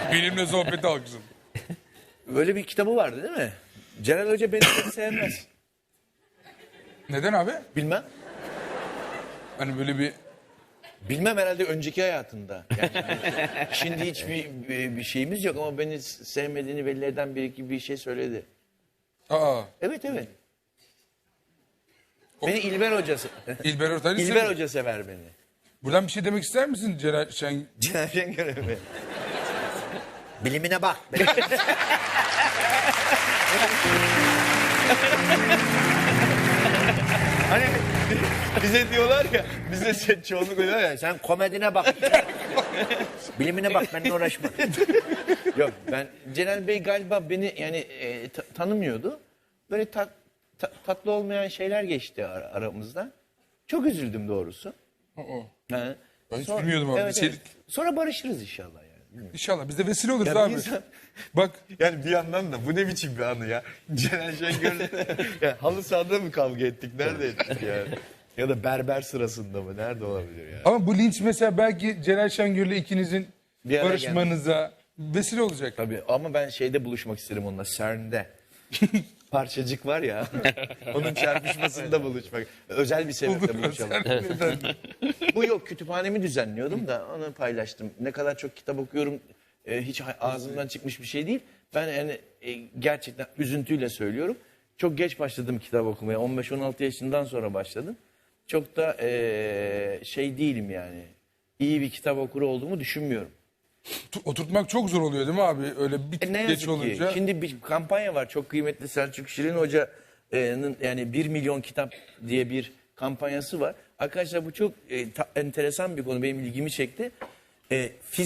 Benimle sohbeti alkışladı. Öyle bir kitabı vardı değil mi? Celal Hoca beni pek sevmez. Neden abi? Bilmem. Hani böyle bir... Bilmem herhalde önceki hayatında. Yani şimdi hiçbir bir şeyimiz yok ama beni sevmediğini belli eden bir iki bir şey söyledi. Aa. Evet evet. Beni İlber Hoca İlber Ortaylı İlber seviyor. Hoca sever beni. Buradan bir şey demek ister misin Celal Şen? Celal Şengör'e mi? Bilimine bak. Hani bize diyorlar ya, bize çoğunluk diyor ya, sen komedine bak. Bilimine bak, benimle uğraşma. Yok, ben Celal Bey galiba beni yani tanımıyordu. Böyle tatlı olmayan şeyler geçti aramızda. Çok üzüldüm doğrusu. Ha. Ben hiç bilmiyordum abi. Evet, evet. Sonra barışırız inşallah yani. İnşallah biz de vesile oluruz Ya bir abi. insan- Bak Yani bir yandan da bu ne biçim bir anı ya. Celal Şengör'le ya, halı sahada mı kavga ettik? Nerede ettik ya? Ya da berber sırasında mı? Nerede olabilir ya? ama bu linç mesela belki Celal Şengör'le ikinizin Bir araya barışmanıza vesile olacak. Tabii ama ben şeyde buluşmak isterim onunla, CERN'de. Parçacık var ya. Onun çarpışmasında buluşmak. Özel bir sebeple buluşalım. Bu yok, kütüphanemi düzenliyordum da onu paylaştım. Ne kadar çok kitap okuyorum hiç ağzımdan çıkmış bir şey değil. Ben yani gerçekten üzüntüyle söylüyorum. Çok geç başladım kitap okumaya. 15-16 yaşından sonra başladım. Çok da şey değilim yani. İyi bir kitap okuru olduğumu düşünmüyorum. Oturtmak çok zor oluyor değil mi abi? Öyle bir Ne geç yazık ki. olunca. Şimdi bir kampanya var. Çok kıymetli Selçuk Şirin Hoca'nın yani 1 milyon kitap diye bir kampanyası var. Arkadaşlar bu çok enteresan bir konu. Benim ilgimi çekti.